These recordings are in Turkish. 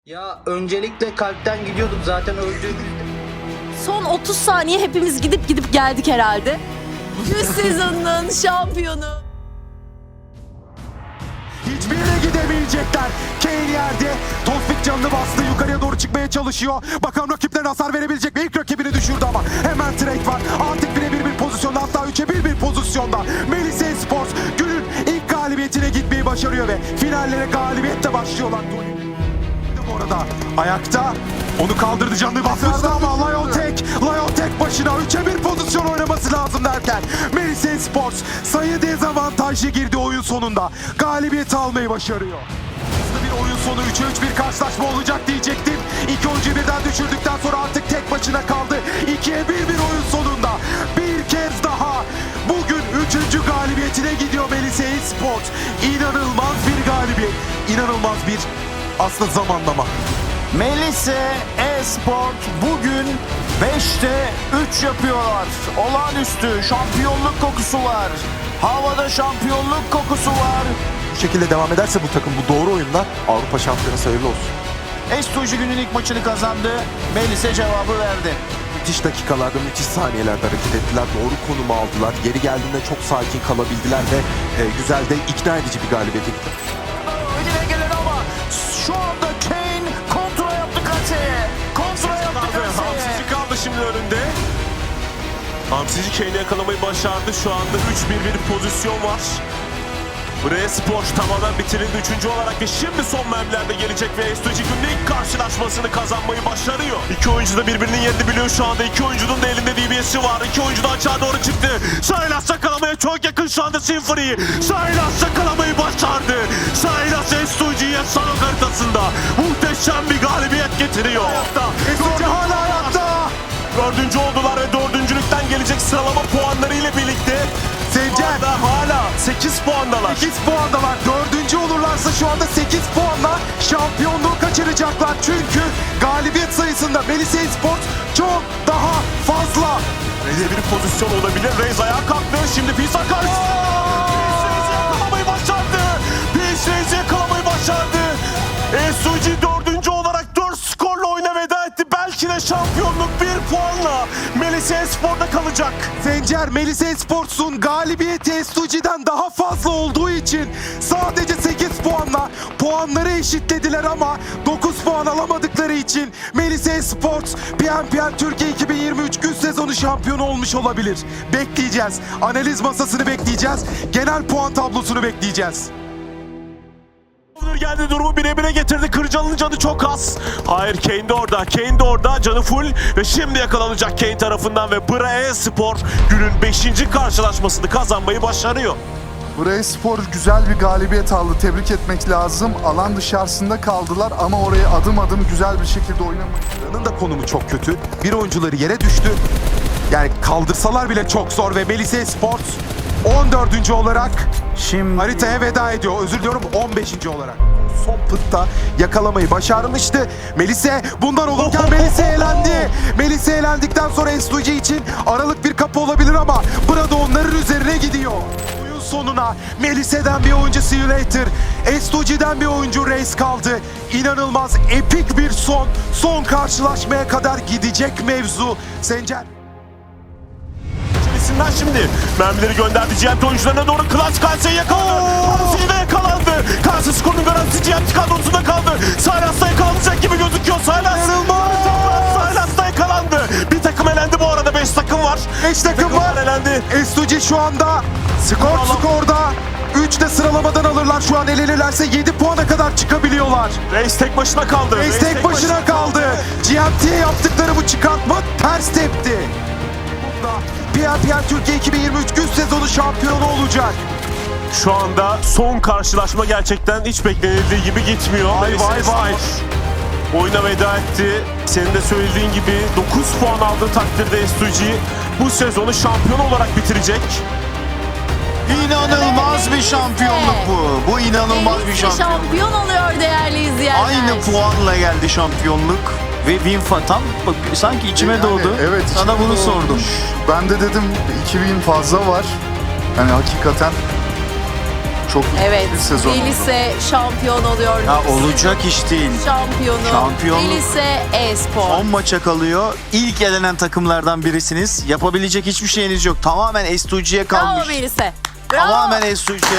Ya öncelikle kalpten gidiyorduk zaten öldüğümüzde. Son 30 saniye hepimiz gidip geldik herhalde. 100 sezonun şampiyonu. Hiçbirine gidemeyecekler. Kane yerde. Tospik canını bastı. Yukarıya doğru çıkmaya çalışıyor. Bakalım rakiplerine hasar verebilecek mi? İlk rakibini düşürdü ama hemen trade var. Artık birebir bir pozisyonda, hatta 3'e 1 pozisyonda. Melisa Esports günün ilk galibiyetine gitmeyi başarıyor ve finallere galibiyetle başlıyorlar. Bu arada ayakta onu kaldırdı, canını bastırdı ama Lion tek başına 3'e 1 pozisyon oynaması lazım derken Melisa Esports sayı dezavantajlı girdi oyun sonunda. Galibiyeti almayı başarıyor. Hızlı bir oyun sonu, 3'e 3 bir karşılaşma olacak diyecektim. İki oyuncuyu birden düşürdükten sonra artık tek başına kaldı. 2'ye 1 oyun sonunda. Bir kez daha bugün 3. galibiyetine gidiyor Melisa Esports. İnanılmaz bir galibiyet. İnanılmaz bir aslında zamanlama. Melisa Esport bugün 5'te 3 yapıyorlar. Olağanüstü şampiyonluk kokusu var. Havada şampiyonluk kokusu var. Bu şekilde devam ederse bu takım bu doğru oyunda Avrupa şampiyonası hayırlı olsun. Estuji günün ilk maçını kazandı. Melisa cevabı verdi. Müthiş dakikalarda, müthiş saniyelerde hareket ettiler. Doğru konumu aldılar. Geri geldiğinde çok sakin kalabildiler ve güzel de ikna edici bir galibiyete gitti. Önüne gelen ama şu anda Kane kontra yaptı kaseye. Kontra yaptı kaseye. Hamsici kaldı şimdi önünde. Hamsici Kane'i yakalamayı başardı. Şu anda 3-1 pozisyon var. Buraya Spor tamamen bitirildi 3. olarak ve şimdi son mermilerde gelecek ve Estuji günün ilk karşılaşmasını kazanmayı başarıyor. İki oyuncu da birbirinin yerini biliyor şu anda. İki oyuncunun da elinde DBS'i var. İki oyuncu da açığa doğru çıktı. Sylas yakalamaya çok yakın şu anda Symphony'yi. Sylas yakalamayı başardı. Sylas Estuji'ye sanok haritasında muhteşem bir galibiyet getiriyor. Estuji hala hayatta. 4. oldular ve 4.lükten gelecek sıralama puanları ile birlikte Sencer hala 8 puandalar. 8 puandalar. 4. olurlarsa şu anda 8 puanla şampiyonluğu kaçıracaklar. Çünkü galibiyet sayısında Melisa Esports çok daha fazla. Reyze bir pozisyon olabilir. Reis ayağa kalktı. Şimdi Pisa karşısında. Reis'i yakalamayı başardı. Reis'i yakalamayı başardı. Esuji 4. olarak 4 skorla oyuna veda etti. Belki de şampiyonluk 1 puanla Melisa Espor'da kalacak. Sencer, Melisa Esports'un galibiyeti Estuji'den daha fazla olduğu için sadece 8 puanla puanları eşitlediler ama 9 puan alamadıkları için Melisa Esports PNPL Türkiye 2023 gün sezonu şampiyonu olmuş olabilir. Bekleyeceğiz. Analiz masasını bekleyeceğiz. Genel puan tablosunu bekleyeceğiz. Geldi, durumu bire getirdi. Kırcalı'nın canı çok az. Hayır, Kane de orada. Kane de orada. Canı full ve şimdi yakalanacak Kane tarafından ve Brae Spor günün 5. karşılaşmasını kazanmayı başarıyor. Brae Spor güzel bir galibiyet aldı. Tebrik etmek lazım. Alan dışarısında kaldılar ama orayı adım adım güzel bir şekilde oynamayı. Buranın da konumu çok kötü. Bir oyuncuları yere düştü. Yani kaldırsalar bile çok zor ve Melisa Esports 14. olarak Şimdi haritaya veda ediyor. Özür diliyorum, 15. olarak. Son pıtta yakalamayı başarmıştı. Melisa bundan olurken Melisa elendi. Melisa elendikten sonra Estuji için aralık bir kapı olabilir ama burada onların üzerine gidiyor. Oyun sonuna Melisa'dan bir oyuncu See You Later, Estuji'den bir oyuncu Reis kaldı. İnanılmaz epik bir son karşılaşmaya kadar gidecek mevzu. Sencer. İçerisinden şimdi mermileri gönderdi GMT oyuncularına doğru. Clutch Kalse'yi yakaladı. Kalse'yi de yakalandı. Kalse skorunun garantisi GMT kadrosunda kaldı. Sylas da yakalanacak gibi gözüküyor. Sylas da yakalandı. Bir takım elendi bu arada. 5 takım var. 5 takım var. Elendi. Estuji şu anda skorda. 3 de sıralamadan alırlar. Şu an elenirlerse 7 puana kadar çıkabiliyorlar. Reis tek başına kaldı. Reis tek başına kaldı. GMT'ye yaptıkları bu çıkartma ters tepti. PNPL Türkiye 2023 gün sezonu şampiyonu olacak. Şu anda son karşılaşma gerçekten hiç beklenildiği gibi gitmiyor. Vay. Oyuna veda etti. Senin de söylediğin gibi 9 puan aldığı takdirde Estuji bu sezonu şampiyon olarak bitirecek. inanılmaz bir şampiyonluk bu. Bu inanılmaz bir Melisa şampiyonluk. şampiyon oluyor değerli izleyenler. Aynı puanla geldi şampiyonluk ve tam sanki içime Yani doğdu. evet, Sana içime bunu doğdu. Ben de dedim 2000 fazla var. Yani hakikaten çok Evet, bir sezon oldu. Melise şampiyon oluyor. Ya olacak iş değil. Şampiyonu. Melise e-spor. Son maça kalıyor. İlk elenen takımlardan birisiniz. Yapabilecek hiçbir şeyiniz yok. Tamamen S2G'ye Bravo kalmış. Melise. Bravo. Tamamen S2G'ye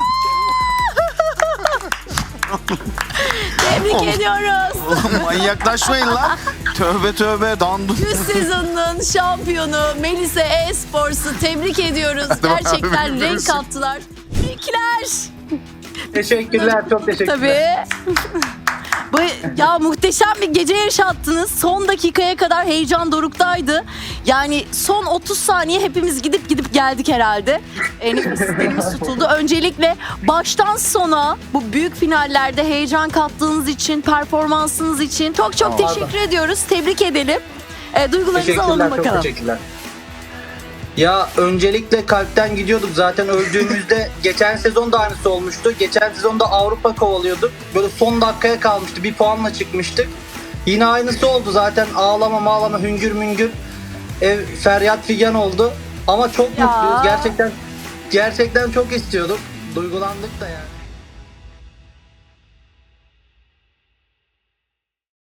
Tebrik ediyoruz. Manyaklaşmayın lan. Tövbe tövbe dandu. 100 sezonunun şampiyonu Melise e-spor'su tebrik ediyoruz. Gerçekten renk kattılar. Tebrikler. Teşekkürler, çok teşekkürler. Tabii. Ya muhteşem bir gece yaşattınız. Son dakikaya kadar heyecan doruktaydı. Yani son 30 saniye hepimiz gidip geldik herhalde. Nefeslerimiz tutuldu. Öncelikle baştan sona bu büyük finallerde heyecan kattığınız için, performansınız için çok teşekkür ediyoruz. Tebrik edelim. Duygularınızı alalım Teşekkürler, çok bakalım. teşekkürler. Ya öncelikle kalpten gidiyorduk zaten öldüğümüzde. Geçen sezon da aynısı olmuştu. Geçen sezonda Avrupa kovalıyorduk. Böyle son dakikaya kalmıştı. Bir puanla çıkmıştık. Yine aynısı oldu zaten. Ağlama hüngür müngür. Ev feryat figan oldu. Ama çok Ya. mutluyuz. Gerçekten çok istiyorduk. Duygulandık da yani.